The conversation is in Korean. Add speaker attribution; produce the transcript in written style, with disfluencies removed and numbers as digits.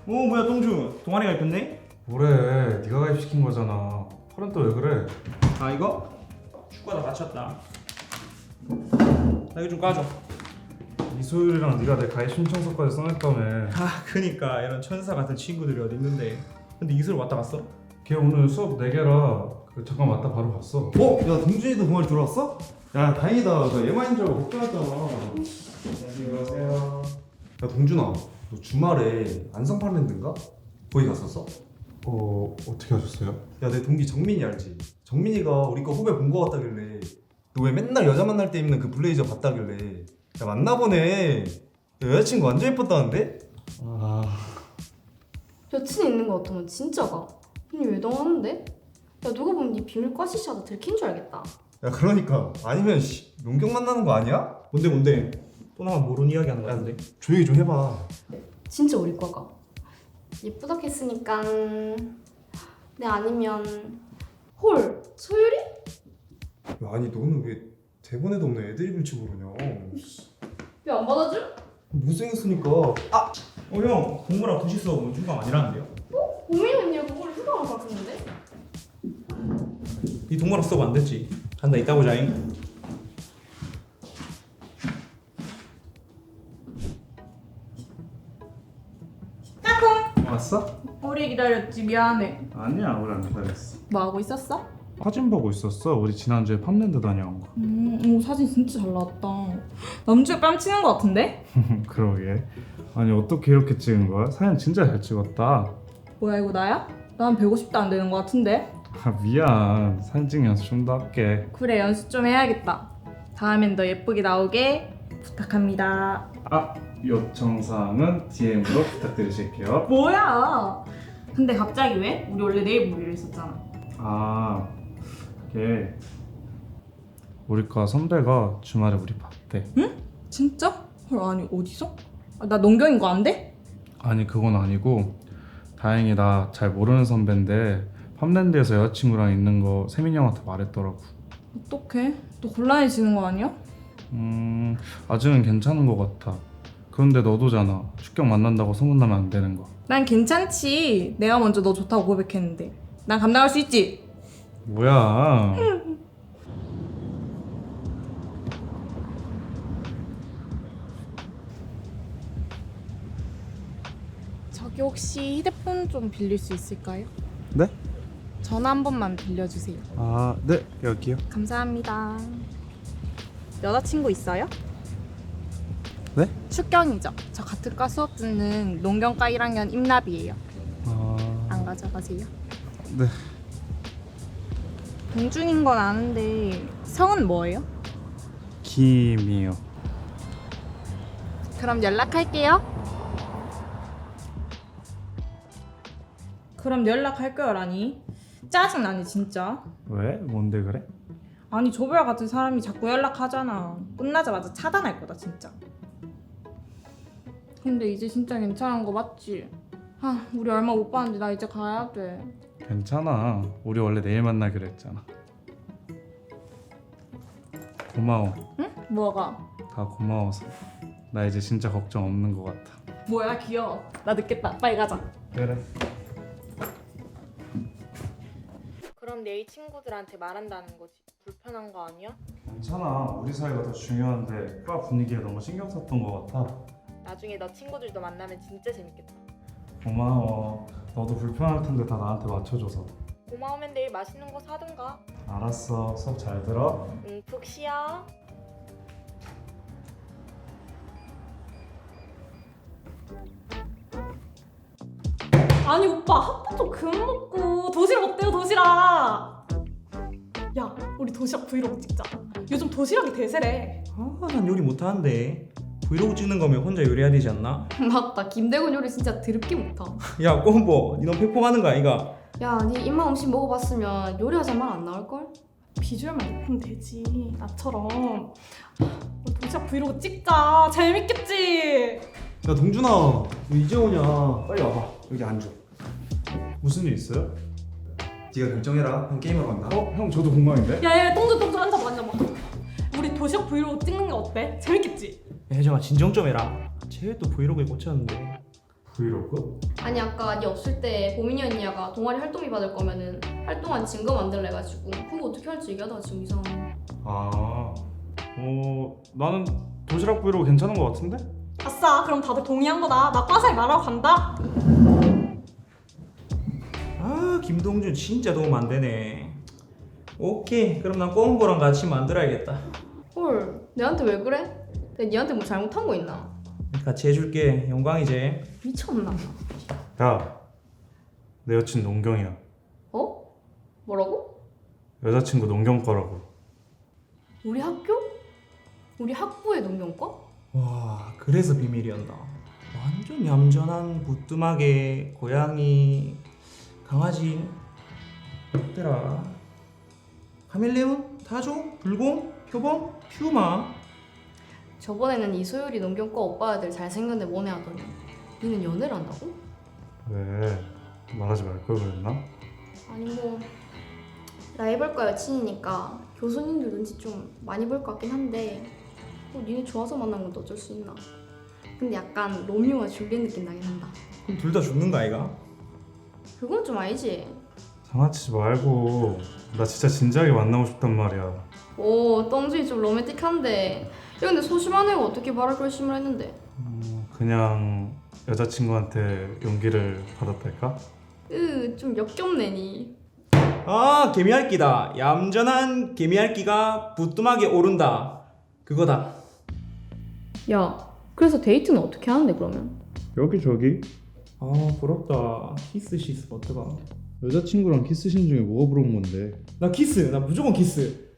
Speaker 1: 뭐야 동주 동아리 가입했네?
Speaker 2: 뭐래, 네가 가입시킨 거잖아. 팔은 또 왜 그래?
Speaker 1: 아 이거? 축구하다 다쳤다. 나 이거 좀 까줘.
Speaker 2: 이소율이랑 네가 내 가입 신청서까지 써냈다며.
Speaker 1: 그니까 이런 천사 같은 친구들이 어디 있는데. 근데 이슬 왔다 갔어?
Speaker 2: 걔 오늘 수업 4개라 잠깐 왔다 바로 갔어.
Speaker 3: 야 동준이도 동아리 들어왔어? 야 다행이다. 나 얘만인 줄 알고 걱정했잖아.
Speaker 1: 안녕하세요.
Speaker 3: 야 동준아, 너 주말에 안성팔랜드인가? 거기 갔었어?
Speaker 2: 어떻게 하셨어요?
Speaker 3: 야 내 동기 정민이 알지? 정민이가 우리 거 후배 본 거 같다길래 너 왜 맨날 여자 만날 때 입는 그 블레이저 봤다길래 야 만나보네. 야, 여자친구 완전 예뻤다는데?
Speaker 4: 여친 있는 거 같으면 진짜가. 니 외동하는데? 야 누가 보면 니 비밀 과시샤다 들킨 줄 알겠다.
Speaker 3: 야 그러니까 아니면 용경 만나는 거 아니야?
Speaker 1: 뭔데? 또 나만 모르는 이야기 하는 거
Speaker 3: 야,
Speaker 1: 같은데?
Speaker 3: 조용히 좀 해봐.
Speaker 4: 진짜 우리 과가. 예쁘다 했으니까 내 아니면 홀 소율이?
Speaker 3: 야, 아니 너는 왜 대본에도 없는 애드립을 치고 그러냐?
Speaker 4: 왜 안 받아줘?
Speaker 3: 못생겼으니까.
Speaker 1: 형 공부랑 도시 수업은 중강 아니라는데요?
Speaker 4: 고민 언니가 그걸 휴강을 받았는데?
Speaker 1: 이 동무랑 수업 안 됐지? 간다 이따 보자잉.
Speaker 2: 왔어?
Speaker 5: 오래 기다렸지. 미안해.
Speaker 2: 아니야, 우리 안 기다렸어.
Speaker 5: 뭐 하고 있었어?
Speaker 2: 사진 보고 있었어. 우리 지난주에 팜랜드 다녀온 거.
Speaker 5: 오, 사진 진짜 잘 나왔다. 남주에 뺨치는 거 같은데?
Speaker 2: 그러게. 아니 어떻게 이렇게 찍은 거야? 사진 진짜 잘 찍었다.
Speaker 5: 뭐야 이거 나야? 난 150도 안 되는 거 같은데?
Speaker 2: 미안. 사진 찍는 연습 좀 더 할게.
Speaker 5: 그래 연습 좀 해야겠다. 다음엔 더 예쁘게 나오게 부탁합니다.
Speaker 2: 요청사항은 DM으로 부탁드리실게요.
Speaker 5: 뭐야? 근데 갑자기 왜? 우리 원래 내일 보기로 했었잖아.
Speaker 2: 그게 우리과 선배가 주말에 우리 봤대.
Speaker 5: 진짜? 헐 아니 어디서? 나 농경인 거 안 돼?
Speaker 2: 아니 그건 아니고 다행히 나 잘 모르는 선배인데 팜랜드에서 여자친구랑 있는 거 세민이 형한테 말했더라고.
Speaker 5: 어떡해? 또 곤란해지는 거 아니야?
Speaker 2: 아직은 괜찮은 거 같아. 그런데 너도잖아. 축경 만난다고 소문나면 안 되는 거.
Speaker 5: 난 괜찮지. 내가 먼저 너 좋다고 고백했는데 난 감당할 수 있지.
Speaker 2: 뭐야?
Speaker 5: 저기 혹시 휴대폰 좀 빌릴 수 있을까요?
Speaker 2: 네?
Speaker 5: 전화 한 번만 빌려주세요.
Speaker 2: 네 여기요.
Speaker 5: 감사합니다. 여자친구 있어요?
Speaker 2: 네?
Speaker 5: 축경이죠. 저 같은 과 수업 듣는 농경과 1학년 임나비예요. 안 가져가세요?
Speaker 2: 네.
Speaker 5: 동준인 건 아는데 성은 뭐예요?
Speaker 2: 김이요.
Speaker 5: 그럼 연락할게요. 그럼 연락할 거라니? 짜증나네 진짜.
Speaker 2: 왜? 뭔데 그래?
Speaker 5: 아니 조별 같은 사람이 자꾸 연락하잖아. 끝나자마자 차단할 거다 진짜. 근데 이제 진짜 괜찮은 거 맞지? 우리 얼마 못 봤는데 나 이제 가야 돼.
Speaker 2: 괜찮아. 우리 원래 내일 만나기로 했잖아. 고마워.
Speaker 5: 응? 뭐가?
Speaker 2: 다 고마워서. 나 이제 진짜 걱정 없는 것 같아.
Speaker 5: 뭐야 귀여워. 나 늦겠다. 빨리 가자.
Speaker 2: 그래.
Speaker 5: 그럼 내일 친구들한테 말한다는 거지. 불편한 거 아니야?
Speaker 2: 괜찮아. 우리 사이가 더 중요한데 과 분위기에 너무 신경 썼던 것 같아.
Speaker 5: 나중에 너 친구들도 만나면 진짜 재밌겠다.
Speaker 2: 고마워. 너도 불편할 텐데 다 나한테 맞춰줘서.
Speaker 5: 고마우면 내일 맛있는 거 사든가.
Speaker 2: 알았어. 수업 잘 들어.
Speaker 5: 응, 푹 쉬어. 아니 오빠 핫바 좀 그만 먹고 도시락 어때요 도시락? 야 우리 도시락 브이로그 찍자. 요즘 도시락이 대세래.
Speaker 1: 난 요리 못하는데. 브이로그 찍는 거면 혼자 요리해야 되지 않나?
Speaker 4: 맞다. 김대곤 요리 진짜 드럽게 못하.
Speaker 1: 야 꼼보 니 너무 팩폭하는 거 아이가?
Speaker 4: 야, 니 입맛 음식 먹어봤으면 요리하자 말 안 나올걸?
Speaker 5: 비주얼만 예쁘면 되지. 나처럼. 우리 도시락 브이로그 찍자. 재밌겠지?
Speaker 3: 야 동준아, 너 이제 오냐? 빨리 와봐. 여기 앉아.
Speaker 2: 무슨 일 있어요?
Speaker 3: 네가 결정해라. 형 게임하러 간다.
Speaker 2: 형 저도 공감인데?
Speaker 5: 야야 똥도 앉아봐. 우리 도시락 브이로그 찍는 게 어때? 재밌겠지?
Speaker 1: 야 혜정아 진정 좀 해라. 쟤 또 브이로그에 꽂혔는데.
Speaker 2: 브이로그?
Speaker 4: 아니 아까 니 없을 때 보민이 언니가 동아리 활동비 받을 거면은 활동한 증거 만들래 가지고 그거 어떻게 할지 얘기하다가 지금 이상하네.
Speaker 2: 나는 도시락 브이로그 괜찮은 것 같은데?
Speaker 5: 아싸, 그럼 다들 동의한 거다. 나 과사에 말하러 간다.
Speaker 1: 아 김동준 진짜 도움 안 되네. 오케이 그럼 난 꼬은보랑 같이 만들어야겠다.
Speaker 4: 헐, 내한테 왜 그래? 내가 니한테 뭐 잘못한 거 있나?
Speaker 1: 같이 해줄게. 영광이지.
Speaker 4: 미쳤나?
Speaker 2: 야, 내 여친 농경이야.
Speaker 4: 어? 뭐라고?
Speaker 2: 여자친구 농경과라고.
Speaker 4: 우리 학교? 우리 학부의 농경과?
Speaker 1: 와 그래서 비밀이었나. 완전 얌전한 부뚜막에 고양이 강아지 뭐더라. 카멜레온? 타조? 불공? 표범? 퓨마?
Speaker 4: 저번에는 이소율이 농경과 오빠 애들 잘생겼는데 뭐네 하더니 니는 연애를 한다고?
Speaker 2: 왜? 말하지 말 걸 그랬나?
Speaker 4: 아니 뭐 라이벌과 여친이니까 교수님들 눈치 좀 많이 볼 것 같긴 한데 뭐 니네 좋아서 만난 건 또 어쩔 수 있나. 근데 약간 로미오와 줄리엣 느낌 나긴 한다.
Speaker 1: 그럼 둘 다 죽는 거 아이가?
Speaker 4: 그건 좀 아니지.
Speaker 2: 장난치지 말고. 나 진짜 진지하게 만나고 싶단 말이야.
Speaker 4: 오 똥준이 좀 로맨틱한데 야 근데 소심한 애가 어떻게 말할 결심을 했는데.
Speaker 2: 그냥 여자친구한테 용기를 받았달까?
Speaker 4: 좀 역겹네 니.
Speaker 1: 아 개미핥기다. 얌전한 개미핥기가 부뚜막에 오른다. 그거다.
Speaker 4: 야 그래서 데이트는 어떻게 하는데 그러면?
Speaker 2: 여기저기.
Speaker 1: 아 부럽다. 키스 시스 어떡하.
Speaker 2: 여자친구랑 키스신 중에 뭐가 부러운 건데?
Speaker 1: 나 키스. 나 무조건 키스.